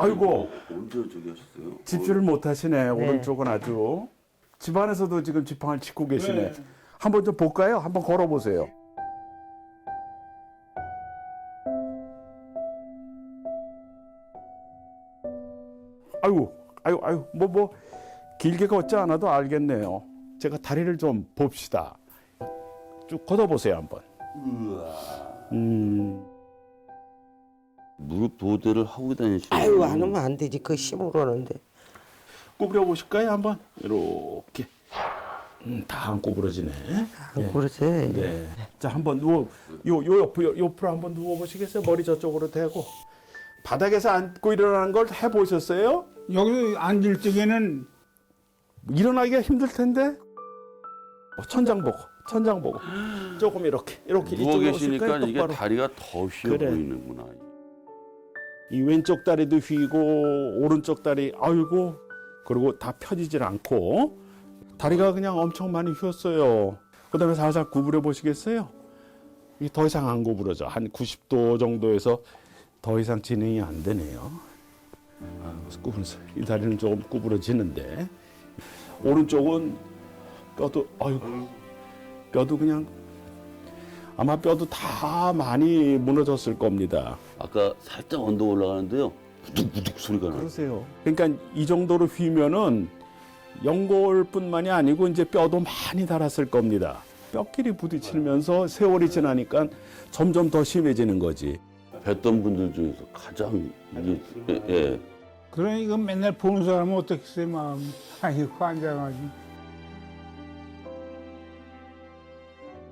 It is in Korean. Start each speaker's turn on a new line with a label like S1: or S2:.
S1: 아이고,
S2: 언제 저기 하셨어요?
S1: 집주를 못 하시네. 오른쪽은 아주. 집안에서도 지금 지팡이를 짚고 계시네. 한번 좀 볼까요? 한번 걸어보세요. 아이고, 뭐, 길게 걷지 않아도 알겠네요. 제가 다리를 좀 봅시다. 쭉 걷어보세요, 한번.
S2: 무릎 보호대를 하고 다니시는
S3: 아유 안 하면 안 되지. 그 힘으로 하는데.
S1: 구부려 보실까요, 한번? 이렇게. 다 안 구부러지네.
S3: 안 그러지.
S1: 네. 자, 한번 요 옆으로 한번 누워 보시겠어요? 머리 저쪽으로 대고. 바닥에서 앉고 일어나는 걸 해보셨어요?
S4: 여기 앉을 적에는
S1: 일어나기가 힘들 텐데. 천장 보고. 조금 이렇게
S2: 누워
S1: 이쪽으로
S2: 계시니까
S1: 오실까요?
S2: 이게
S1: 똑바로.
S2: 다리가 더 휘어
S1: 그래.
S2: 보이는구나.
S1: 이 왼쪽 다리도 휘고 오른쪽 다리 아이고 그리고 다 펴지질 않고 다리가 그냥 엄청 많이 휘었어요. 그다음에 살살 구부려 보시겠어요? 이게 더 이상 안 구부러져. 한 90도 정도에서 더 이상 진행이 안 되네요. 이 다리는 조금 구부러지는데 오른쪽은 뼈도 그냥 아마 뼈도 다 많이 무너졌을 겁니다.
S2: 아까 살짝 언덕 올라가는데요. 부득부득 소리가 나요.
S1: 그러세요. 그러니까 이 정도로 휘면은 연골뿐만이 아니고 이제 뼈도 많이 닳았을 겁니다. 뼈끼리 부딪히면서 세월이 지나니까 점점 더 심해지는 거지.
S2: 뵀던 분들 중에서 가장 이게 예.
S4: 그러니까 맨날 보는 사람은 어떻겠어요 마음이. 아이고 환장하지.